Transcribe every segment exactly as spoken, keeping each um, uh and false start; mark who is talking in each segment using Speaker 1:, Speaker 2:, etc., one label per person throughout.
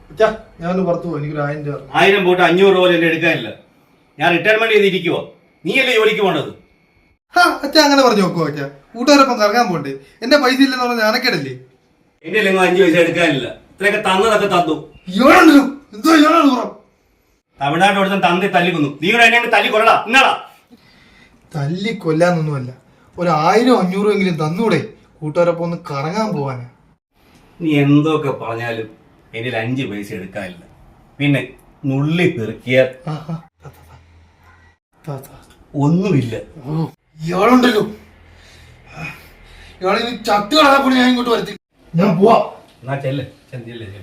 Speaker 1: ഞാനൊന്ന് പുറത്തു പോകും. എനിക്കൊരു ആയിരം രൂപ.
Speaker 2: ആയിരം പോയിട്ട് അഞ്ഞൂറ് രൂപ എന്റെ എടുക്കാനില്ല. ഞാൻ റിട്ടയർമെന്റ് ചെയ്തിരിക്കുവോ? നീയല്ലേ ജോലിക്ക് പോണത്?
Speaker 1: ആ അച്ഛാ അങ്ങനെ പറഞ്ഞു നോക്കുവോ അച്ഛാ? കൂട്ടുകാരൊപ്പം കറങ്ങാൻ പോണ്ടേ? എന്റെ പൈസ ഇല്ലെന്ന് പറഞ്ഞാൽ ഞാനക്കേടല്ലേ?
Speaker 2: എന്റെ അല്ലെങ്കിൽ അഞ്ചു പൈസ എടുക്കാനില്ല. ഇത്രയൊക്കെ തന്നതൊക്കെ തന്നു.
Speaker 1: എന്തോ
Speaker 2: തമിഴ്നാട്ടിൽ കൊടുത്ത തന്തി തല്ലിക്കുന്നു. നീ കൂടെ എന്നെ തല്ലി കൊല്ലടാ. ഇന്നാടാ
Speaker 1: തല്ലി കൊല്ലാന്നൊന്നുമല്ല, ഒരു ആയിരം അഞ്ഞൂറും എങ്കിലും തന്നൂടെ? കൂട്ടുകാരൊപ്പം ഒന്ന് കറങ്ങാൻ പോവാനാ.
Speaker 2: നീ എന്തൊക്കെ പറഞ്ഞാലും എന്നിൽ അഞ്ചു പൈസ എടുക്കാനില്ല. പിന്നെ നുള്ളി പെറുക്കിയ ഒന്നുമില്ല.
Speaker 1: ഇയാളുണ്ടല്ലോ, ഇയാളിനി ചത്ത് കളയാൻ ഞാൻ ഇങ്ങോട്ട് വരത്തി. ഞാൻ പോവാ.
Speaker 2: എന്നാ ചെല്ല് ചെല്ല് ചെല്ല്.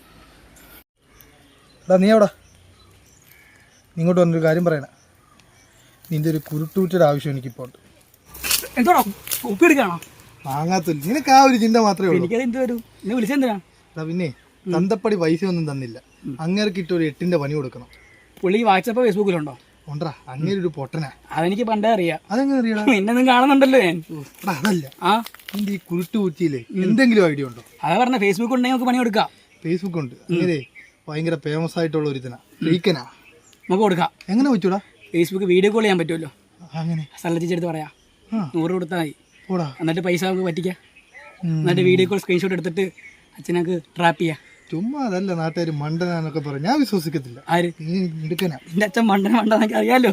Speaker 1: എടാ നീ എവിടാ? ഇങ്ങോട്ട് വന്നൊരു കാര്യം പറയണ. നിന്റെ ഒരു കുരുട്ടൂറ്റയുടെ ആവശ്യം എനിക്കിപ്പോ ഉണ്ട്.
Speaker 3: എന്തോടാ ഒപ്പി എടുക്കാണോ?
Speaker 1: വാങ്ങാത്തില്ല. നിനക്ക് ആ ഒരു ചിന്ത മാത്രമേ ഉള്ളൂ.
Speaker 3: എനിക്കത് വരും. നീ വിളിച്ചെന്തിനാ?
Speaker 1: എടാ പിന്നെ തന്തപ്പടി പൈസ ഒന്നും തന്നില്ല. അങ്ങേർക്ക് ഇട്ട് ഒരു എട്ടിന്റെ പണി കൊടുക്കണം.
Speaker 3: പുള്ളി വാട്സപ്പ് ഫേസ്ബുക്കിലുണ്ടോ?
Speaker 1: ഉണ്ടടാ, അങ്ങേര് ഒരു പൊട്ടനാ.
Speaker 3: അതെനിക്ക് പണ്ടേ അറിയാം.
Speaker 1: അതെങ്ങനെ അറിയടാ?
Speaker 3: നിന്നൊന്നും കാണുന്നുണ്ടല്ലോ ഞാൻ.
Speaker 1: അതല്ല,
Speaker 3: ആ
Speaker 1: നിന്റെ ഈ കുരുട്ട് കുറ്റിയില്ലേ എന്തെങ്കിലും ഐഡിയ ഉണ്ടോ?
Speaker 3: അതാ പറഞ്ഞ ഫേസ്ബുക്ക് ഉണ്ടെങ്കിൽ നമുക്ക് പണി കൊടുക്കാം.
Speaker 1: ഫേസ്ബുക്ക് ഉണ്ട്. അങ്ങനെ ഭയങ്കര ഫേമസ് ആയിട്ടുള്ള ഒരുത്തനാ. ലീക്കനാ.
Speaker 3: നമുക്ക് കൊടുക്കാം.
Speaker 1: എങ്ങനെ വെച്ചൂടാ?
Speaker 3: ഫേസ്ബുക്ക് വീഡിയോ കോൾ ചെയ്യാൻ പറ്റുമല്ലോ.
Speaker 1: അങ്ങനെ
Speaker 3: സ്ഥലത്തിച്ചെടുത്ത് പറയാം. നൂറ് കൊടുത്താൽ മതി.
Speaker 1: പോടാ.
Speaker 3: എന്നിട്ട് പൈസ നമുക്ക് പറ്റിക്കാം. എന്നിട്ട് വീഡിയോ കോൾ സ്ക്രീൻഷോട്ട് എടുത്തിട്ട് അച്ഛനക്ക് ട്രാപ്പ് ചെയ്യാം.
Speaker 1: ചുമ്മാ അതല്ല, നാട്ടുകാർ മണ്ടനാന്നൊക്കെ പറയും. ഞാൻ വിശ്വസിക്കത്തില്ല.
Speaker 3: ആര്?
Speaker 1: നീ എടുക്കനാ.
Speaker 3: എന്റെ അച്ഛൻ മണ്ടന മണ്ടെന്നൊക്കെ അറിയാലോ.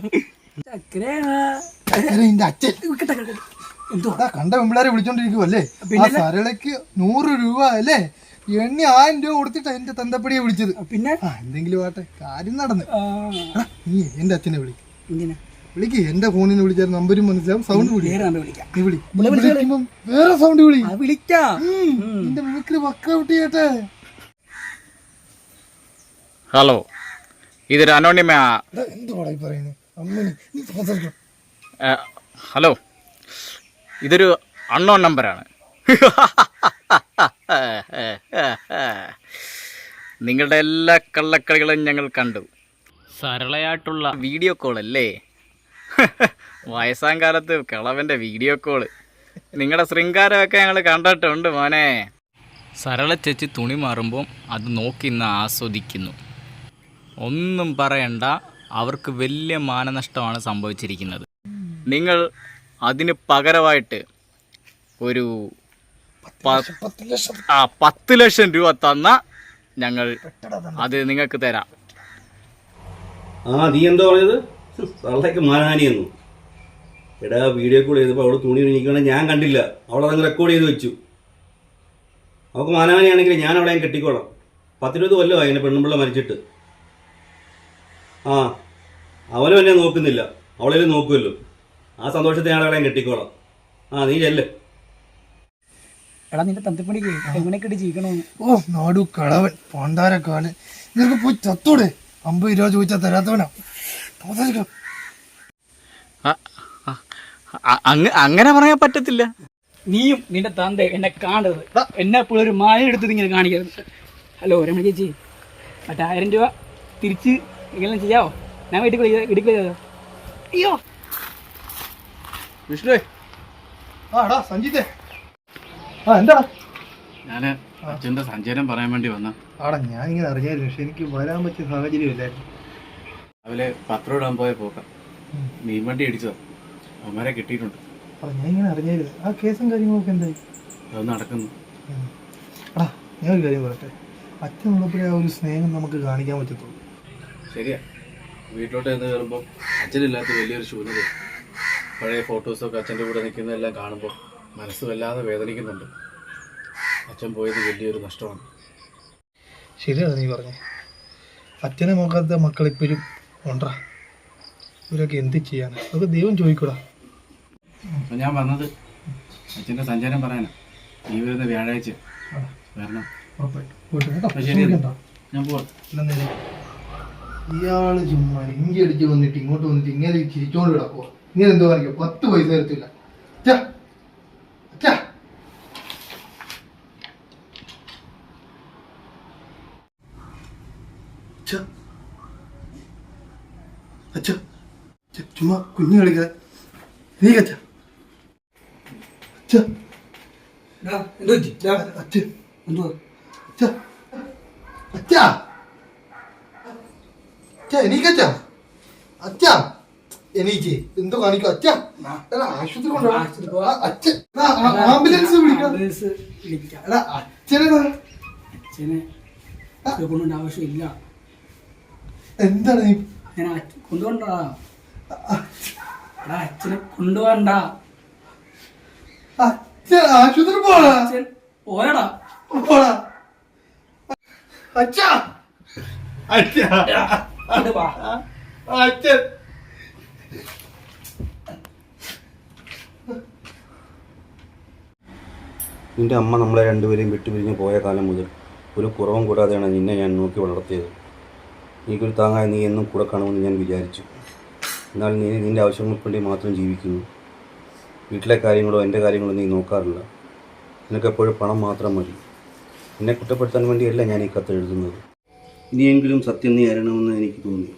Speaker 1: നിന്റെ അച്ഛൻ എന്തോടാ കണ്ട പെമ്പിളാരെ വിളിച്ചോണ്ടിരിക്കുവല്ലേ? ആ സരളക്ക് നൂറ് രൂപ അല്ലേ എണ്ണി ആയിരം രൂപ കൊടുത്തിട്ടാ എന്റെ തന്തപ്പടിയെ വിളിച്ചത്. പിന്നെ എന്തെങ്കിലും ആട്ടെ, കാര്യം നടന്ന്. നീ എന്റെ അച്ഛനെ വിളി. വിളിക്ക്. എന്റെ ഫോണിൽ നിന്ന് വിളിച്ചാൽ നമ്പരും മനസ്സിലാവും, സൗണ്ട് വിളി. നീ വിളി. വിളിക്കുമ്പം വേറെ സൗണ്ട് വിളി.
Speaker 3: വിളിക്കാം.
Speaker 1: നിന്റെ മിമിക്രി വർക്കൗട്ട് ചെയ്യട്ടെ.
Speaker 4: ഹലോ, ഇതൊരു അനോണിമ.
Speaker 1: എന്തുവാടാ ഈ പറയുന്നത്? അമ്മണി നീ സംസാരിക്കണം.
Speaker 4: ഹലോ, ഇതൊരു അൺനോൺ നമ്പറാണ്. നിങ്ങളുടെ എല്ലാ കള്ളക്കളികളും ഞങ്ങൾ കണ്ടു. സരളയായിട്ടുള്ള വീഡിയോ കോളല്ലേ? വയസ്സാം കാലത്ത് കിളവൻ്റെ വീഡിയോ കോള്. നിങ്ങളുടെ ശൃംഗാരമൊക്കെ ഞങ്ങൾ കണ്ടിട്ടുണ്ട് മോനെ. സരള ചേച്ചി തുണി മാറുമ്പം അത് നോക്കി ഇന്ന് ആസ്വദിക്കുന്നു. ഒന്നും പറയണ്ട, അവർക്ക് വലിയ മാനനഷ്ടമാണ് സംഭവിച്ചിരിക്കുന്നത്. നിങ്ങൾ അതിന് പകരമായിട്ട് ഒരു ആ പത്ത് ലക്ഷം രൂപ തന്ന ഞങ്ങൾ അത് നിങ്ങൾക്ക് തരാം.
Speaker 2: ആ നീ എന്താ പറഞ്ഞത്? സരളയ്ക്ക് മാനഹാനിയെന്നു. എടാ വീഡിയോ കോൾ ചെയ്തപ്പോൾ അവള് തുണി ഒഴിക്കണേ ഞാൻ കണ്ടില്ല. അവളതങ്ങ് റെക്കോർഡ് ചെയ്ത് വെച്ചു. അവൾക്ക് മാനഹാനിയാണെങ്കിൽ ഞാൻ അവളെ ഞാൻ കെട്ടിക്കോളാം. പത്തിരുപത് കൊല്ലമായി എൻ്റെ പെണ്ണുമ്പിള്ള മരിച്ചിട്ട്. ആ അവനും എന്നെ നോക്കുന്നില്ല, അവളേലും നോക്കുമല്ലോ. ആ സന്തോഷത്തെ ഞാൻ അവളെ കെട്ടിക്കോളാം. ആ നീ ചെല്ല്.
Speaker 3: എടാ നിന്റെ തന്തപ്പണിക്ക് എങ്ങനെയൊക്കെ ഇട്ട് ജീവിക്കണമെന്ന്.
Speaker 1: ഓ നാടു കളവൻ പണ്ടാരക്കാലൻ. നിനക്ക് പോയി ചത്തോടെ. അമ്പത് രൂപ ചോദിച്ചാൽ തരാത്തവനാ.
Speaker 4: അങ്ങനെ പറയാൻ പറ്റത്തില്ല.
Speaker 3: നീയും നിന്റെ തന്ത എന്നെ കാണരുത്. എന്നെ എപ്പോഴും ഒരു മായ എടുത്തത് ഇങ്ങനെ കാണിക്കരുത്. ഹലോ രമണ ചേച്ചി, മറ്റേ ആയിരം രൂപ തിരിച്ച് എങ്ങനെ ചെയ്യാവോ? ഞാൻ വീട്ടിൽ വീട്ടിൽ അയ്യോ
Speaker 1: വിഷ്ണു. ആടാ സഞ്ജിത്തെ. ആ എന്താടാ?
Speaker 4: ഞാൻ അച്ഛൻ്റെ സഞ്ചാരം പറയാൻ വേണ്ടി വന്ന.
Speaker 1: ആടാ ഞാൻ ഇങ്ങനെ അറിഞ്ഞായിരുന്നു, പക്ഷെ എനിക്ക് വരാൻ പറ്റിയ സാഹചര്യം ഇല്ലായിരുന്നു.
Speaker 4: രാവിലെ പത്രം ഇടാൻ പോയ പോക്കാം മീൻ വണ്ടി അടിച്ചതാ. അവന്മാരെ കിട്ടിയിട്ടുണ്ട്.
Speaker 1: അടാ ഞാൻ ഇങ്ങനെ അറിഞ്ഞായിരുന്നു. ആ കേസും കാര്യങ്ങളൊക്കെ എന്തായി?
Speaker 4: അത് നടക്കുന്നു.
Speaker 1: എടാ ഞാൻ ഒരു കാര്യം പറയട്ടെ, അച്ഛനുള്ളപ്പോഴേ ആ ഒരു സ്നേഹം നമുക്ക് കാണിക്കാൻ പറ്റത്തുള്ളൂ.
Speaker 4: ശരിയാ. വീട്ടിലോട്ട് ചെന്ന് കയറുമ്പോൾ അച്ഛനില്ലാത്ത വലിയൊരു ശൂന്യത. പഴയ ഫോട്ടോസൊക്കെ അച്ഛൻ്റെ കൂടെ നിൽക്കുന്നതെല്ലാം കാണുമ്പോൾ മനസ്സ് വല്ലാതെ വേദനിക്കുന്നുണ്ട്. അച്ഛൻ പോയത് വലിയൊരു നഷ്ടമാണ്.
Speaker 1: ശരിയാണ് നീ പറഞ്ഞേ. അച്ഛനെ നോക്കാത്ത മക്കളിപ്പോഴും ഉണ്ടാ. ഇവരൊക്കെ എന്ത് ചെയ്യാൻ? അതൊക്കെ ദൈവം ചോദിക്കൂടാ.
Speaker 4: അപ്പം ഞാൻ വന്നത് അച്ഛൻ്റെ സഞ്ചാരം പറയാനാ. ഈ വരുന്ന വ്യാഴാഴ്ച വരണം. ഞാൻ പോവാം.
Speaker 1: ഇയാള് ചുമ്മാ ഇഞ്ചി അടിച്ച് വന്നിട്ട് ഇങ്ങോട്ട് വന്നിട്ട് ഇങ്ങനെ ചിരിച്ചോണ്ട് കിടക്കുക. ഇങ്ങനെ എന്തോ കാണിക്കുക? പത്ത് പൈസ തരത്തില്ല. ചുമ്മാ കുഞ്ഞു കളിക്കാതെ നീ കച്ച അച്ഛൻ അച്ഛാ അച്ഛാ എണീക്കച്ചാ അച്ഛാ എണീക്ക് എന്തോ കാണിക്കും അച്ഛാ എടാ ആശുപത്രി കൊണ്ടുപോകാം അച്ഛൻ ആംബുലൻസ് വിളിക്കാം
Speaker 3: ആംബുലൻസ് വിളിക്കാം.
Speaker 1: എടാ അച്ഛനെടാ
Speaker 3: അച്ഛനെ കൊണ്ടുപോകേണ്ട ആവശ്യമില്ല.
Speaker 1: എന്താണ് നീ
Speaker 3: ഞാൻ അച്ഛ- കൊണ്ടുപോകണ്ടാ. എടാ അച്ഛനെ കൊണ്ടുപോകണ്ട.
Speaker 1: അച്ഛൻ ആശുപത്രി പോടാ
Speaker 3: അച്ഛൻ പോയടാ.
Speaker 1: പോടാ അച്ഛാ അച്ഛാ
Speaker 3: ഇങ്ങട് വാ.
Speaker 1: അച്ഛൻ
Speaker 2: നിന്റെ അമ്മ നമ്മളെ രണ്ടുപേരെയും വിട്ടുപിരിഞ്ഞ് പോയ കാലം മുതൽ ഒരു കുറവും കൂടാതെയാണ് നിന്നെ ഞാൻ നോക്കി വളർത്തിയത്. എനിക്കൊരു താങ്ങായി നീ എന്നും കൂടെ കാണുമെന്ന് ഞാൻ വിചാരിച്ചു. എന്നാൽ നീ നിൻ്റെ ആവശ്യങ്ങൾക്ക് വേണ്ടി മാത്രം ജീവിക്കുന്നു. വീട്ടിലെ കാര്യങ്ങളോ എൻ്റെ കാര്യങ്ങളോ നീ നോക്കാറില്ല. നിനക്കെപ്പോഴും പണം മാത്രം മതി. എന്നെ കുറ്റപ്പെടുത്താൻ വേണ്ടിയല്ല ഞാൻ ഈ കത്ത് എഴുതുന്നത്. ഇനിയെങ്കിലും സത്യം നീ അറിയണമെന്ന് എനിക്ക് തോന്നി.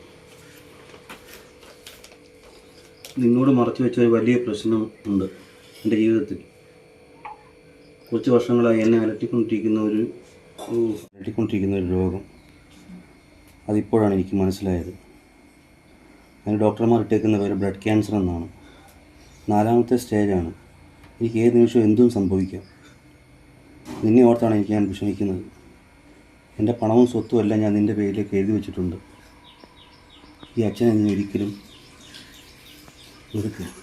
Speaker 2: നിന്നോട് മറച്ചു വെച്ച ഒരു വലിയ പ്രശ്നം ഉണ്ട് എൻ്റെ ജീവിതത്തിൽ. കുറച്ച് വർഷങ്ങളായി എന്നെ അലട്ടിക്കൊണ്ടിരിക്കുന്ന ഒരു അലട്ടിക്കൊണ്ടിരിക്കുന്ന ഒരു രോഗം. അതിപ്പോഴാണ് എനിക്ക് മനസ്സിലായത്. അതിന് ഡോക്ടർമാർ ഇട്ടേക്കുന്ന പേര് ബ്ലഡ് ക്യാൻസർ എന്നാണ്. നാലാമത്തെ സ്റ്റേജാണ്. എനിക്ക് ഏത് നിമിഷവും എന്തും സംഭവിക്കാം. നിന്നെ ഓർത്താണ് എനിക്ക് ഞാൻ വിഷമിക്കുന്നത്. എൻ്റെ പണവും സ്വത്തും എല്ലാം ഞാൻ നിൻ്റെ പേരിലേക്ക് എഴുതി വെച്ചിട്ടുണ്ട്. ഈ അച്ഛനെ നീ ഒരിക്കലും വെറുക്കരുത്.